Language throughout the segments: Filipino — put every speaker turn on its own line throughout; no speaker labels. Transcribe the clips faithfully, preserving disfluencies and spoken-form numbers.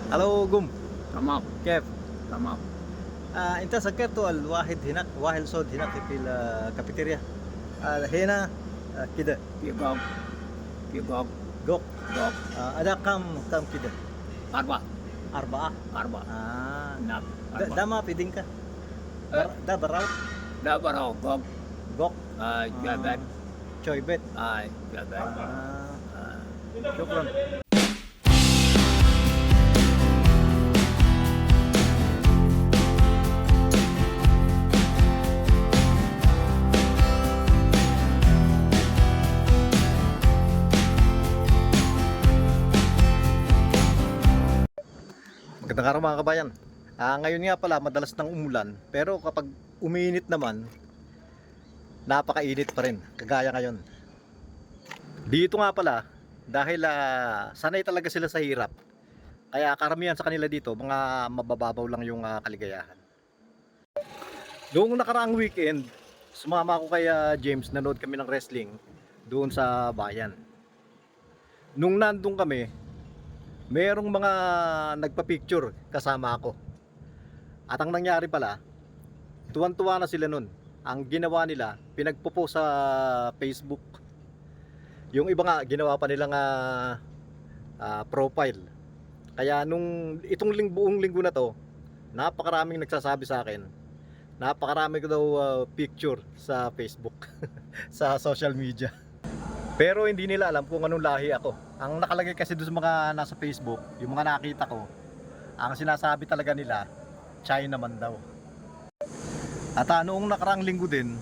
الو قم
تمام
كيف؟
تمام.
آه انت سكرت الواحد هناك واحد صوت هناك في الكافيتيريا. آه هنا آه كده
في جوب في جوب
جوك.
جوب
آه ada كم كم كده؟
أربعة
أربعة.
أربعة
آه
نعم
ده, ده
أربعة.
ما في دينكا.
أه،
بر... ده براو
لا براو جوب.
جوك.
آه جابت.
شوي بيت.
آه جابت.
آه
آه.
شكرا. Magandang araw mga kabayan. Ah, ngayon nga pala madalas nang umulan, pero kapag umiinit naman, napakainit pa rin, kagaya ngayon. Dito nga pala, dahil ah, sanay talaga sila sa hirap, kaya karamihan sa kanila dito, mga mabababaw lang yung ah, kaligayahan. Noong nakaraang weekend, sumama ako kay ah, James, nanood kami ng wrestling doon sa bayan. Nung nandun kami, merong mga nagpa-picture kasama ako. At ang nangyari pala, tuwan-tuwa na sila nun. Ang ginawa nila, pinagpo-post sa Facebook. Yung iba nga, ginawa pa nilang uh, uh, profile. Kaya nung itong ling, buong linggo na to, napakaraming nagsasabi sa akin. Napakarami ko daw uh, picture sa Facebook, sa social media. Pero hindi nila alam kung anong lahi ako. Ang nakalagay kasi doon sa mga nasa Facebook, yung mga nakita ko, ang sinasabi talaga nila, China man daw. At uh, noong nakaraang linggo din,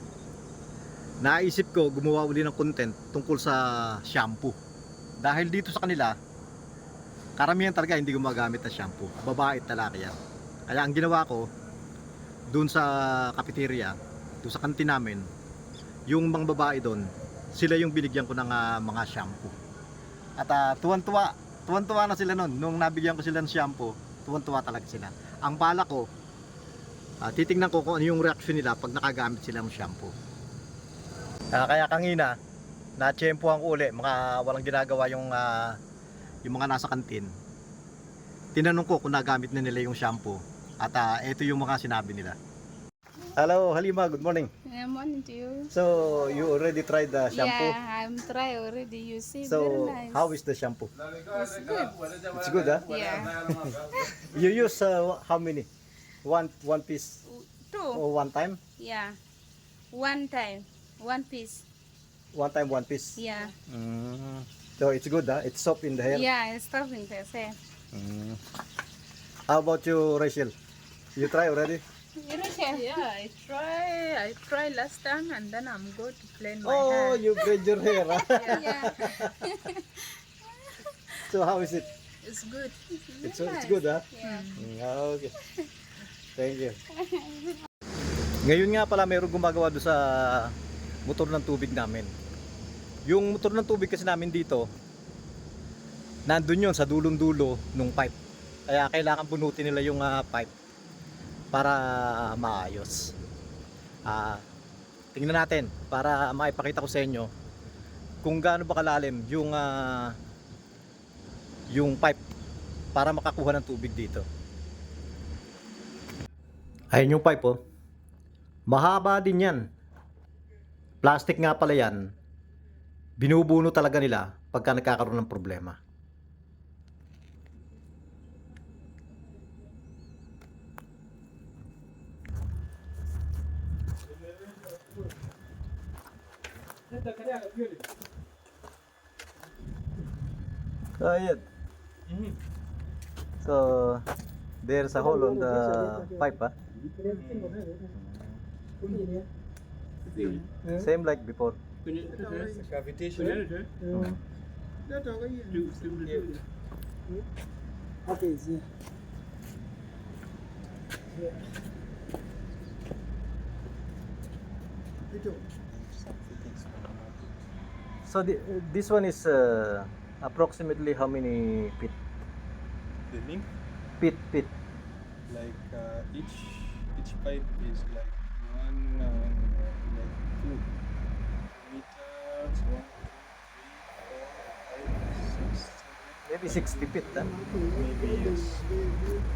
naisip ko gumawa uli ng content tungkol sa shampoo. Dahil dito sa kanila, karamihan talaga hindi gumagamit ng shampoo. Babae at lalaki yan. Kaya ang ginawa ko, doon sa cafeteria, doon sa kantin namin, yung mga babae doon, sila yung binigyan ko ng uh, mga shampoo. At uh, tuwan-tuwa, tuwan-tuwa na sila noon. Nung nabigyan ko sila ng shampoo, tuwan-tuwa talaga sila. Ang bala ko, uh, titingnan ko kung ano yung reaction nila pag nakagamit sila ng shampoo. Uh, kaya kanina, na-tsempohan ko uli, mga walang ginagawa yung, uh, yung mga nasa kantin. Tinanong ko kung nagamit na nila yung shampoo. At uh, ito yung mga sinabi nila. Hello, Halima, good morning.
Yeah, morning to you.
So, you already tried the shampoo?
Yeah, I'm try already. You see,
So,
very nice.
how is the shampoo?
It's good.
It's good, huh?
Yeah.
You use uh, how many? One one piece
Two.
or one time?
Yeah. One time. One piece.
One time, one piece.
Yeah.
Mm. So, it's good, huh? It's soft in the hair.
Yeah, it's stopping the same.
Mm. How about you, Rachel? You try already?
Yeah, I try. I try last time, and then I'm going to plain my
Oh,
hair.
you braid your hair, huh?
Yeah.
So, how is it?
It's good.
It's, it's good, huh?
Yeah.
Mm, okay. Thank you. Ngayon nga pala mayroong gumagawa doon sa motor ng tubig namin. Yung motor ng tubig kasi namin dito, nandun yun sa dulong-dulo nung pipe. Kaya kailangan bunutin nila yung uh, pipe para maayos. Ah, tingnan natin para maipakita ko sa inyo kung gaano ba kalalim yung uh, yung pipe para makakuha ng tubig dito. Ayun yung pipe, oh. Mahaba din yan. Plastic nga pala yan. Binubuno talaga nila pagka nagkakaroon ng problema. So, ayan. So, there's a hole on the pipe, huh? Same like before. Mm.
Okay, see.
So, the, this one is uh, approximately how many feet?
The length,
Feet, feet.
like uh, each each pipe is like one uh, like two meters, one, two, three, four, five, six, seven,
Maybe sixty feet, huh?
maybe yes.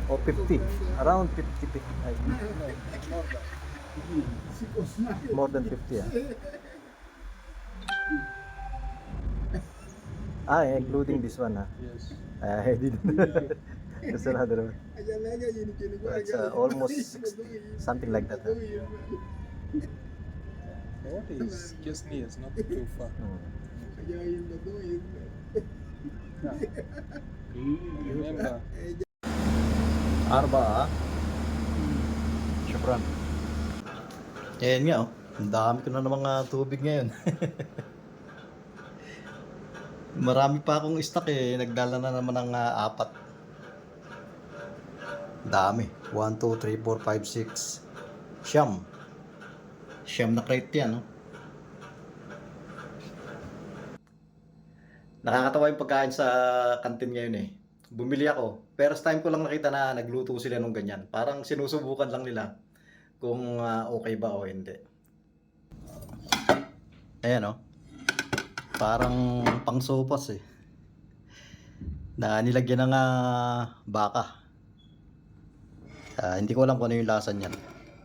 O fifty. Around fifty. pi- Ay, more than fifty ah. Ah, including this one ah.
Yes.
I didn't. That's another one. It's uh, almost sixty, something like that. ah.
What is just near? It's not too far.
Hmm.
Remember,
Arba ah. Syukran. Ayan nga oh. Ang dami ko na ng mga tubig ngayon. Marami pa akong stock eh. Nagdala na naman ng ah, apat. Dami. one, two, three, four, five, six. Siyam. Siyam na crate yan. No? Nakakatawa yung pagkain sa kantin ngayon eh. Bumili ako. First time ko lang nakita na nagluto sila nung ganyan. Parang sinusubukan lang nila kung ah, okay ba o hindi. Ayan oh. Parang pang sopas eh. Na nilagyan ng ah, baka. Ah, hindi ko alam kung ano yung lasa niyan.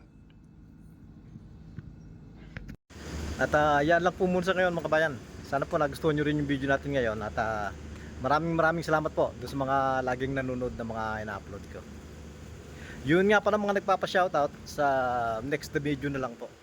At ah, yan lang po muna sa ngayon mga kabayan. Sana po nagustuhan nyo rin yung video natin ngayon. At ah, maraming maraming salamat po doon sa mga laging nanonood na mga ina-upload ko. Yun nga pa ng mga nagpapa-shoutout sa next video na lang po.